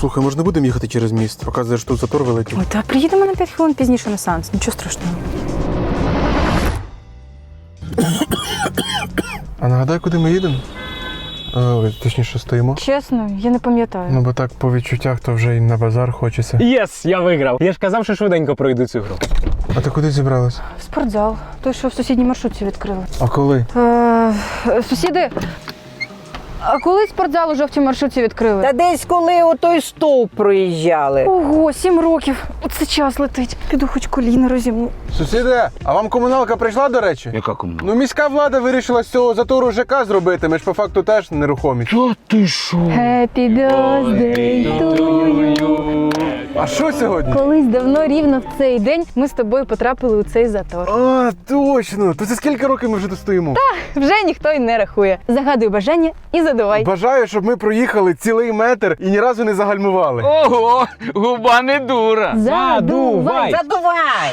Слухай, може не будемо їхати через міст? Показуєш, тут затор великий. Ой, та приїдемо на 5 хвилин пізніше на сеанс, нічого страшного. А нагадай, куди ми їдемо? Точніше, стоїмо. Чесно, я не пам'ятаю. Ну, бо так по відчуттях, то вже й на базар хочеться. Єс, я виграв. Я ж казав, що швиденько пройду цю гру. А ти куди зібралась? Спортзал. Той, що в сусідній маршрутці відкрили. А коли? Сусіди, а коли спортзал у жовтій маршрутці відкрили? Та десь коли отой стовп проїжджали. Ого, 7 років. Оце час летить. Піду хоч коліна розімну. Сусіде, а вам комуналка прийшла, до речі? Яка комуналка? Ну, міська влада вирішила з цього затору ЖК зробити. Ми ж по факту теж нерухомі. Та ти що? Happy birthday to you. А що сьогодні? Колись давно, рівно в цей день, ми з тобою потрапили у цей затор. А, точно! То це скільки років ми вже тут стоїмо? Вже ніхто й не рахує. Загадуй бажання і задувай. Бажаю, щоб ми проїхали цілий метр і ні разу не загальмували. Ого, губа не дура. Задувай. Задувай!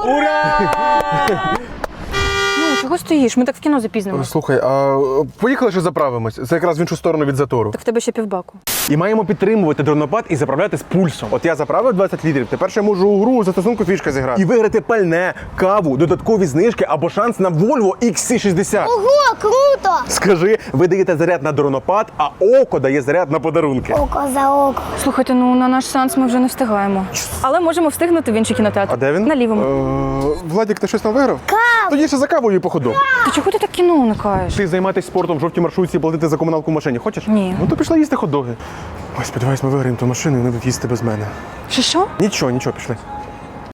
Ну, чого стоїш? Ми так в кіно запізнимось. Слухай, а поїхали ще заправимось? Це якраз в іншу сторону від затору. Так в тебе ще півбаку. І маємо підтримувати дронопад і заправляти з пульсом. От я заправив 20 літрів, тепер ще можу у гру застосунку фішка зіграти. І виграти пальне, каву, додаткові знижки або шанс на Volvo XC60. Ого, круто! Скажи, ви даєте заряд на дронопад, а око дає заряд на подарунки. Око за око. Слухайте, ну на наш сеанс ми вже не встигаємо. Але можемо встигнути в інший кінотеатр. А де він? На лівому. Владік, ти щось там виграв? Тоді ще за кавою походу. Ти чого ти так кіно уникаєш? Ти займатися спортом в жовтій маршрутці і платити за комуналку в машині. Хочеш? Ні. Ну то пішла їсти хот-доги. Ой, сподіваюсь, ми виграємо ту машину і вони будуть їсти без мене. Що? Нічого, пішли.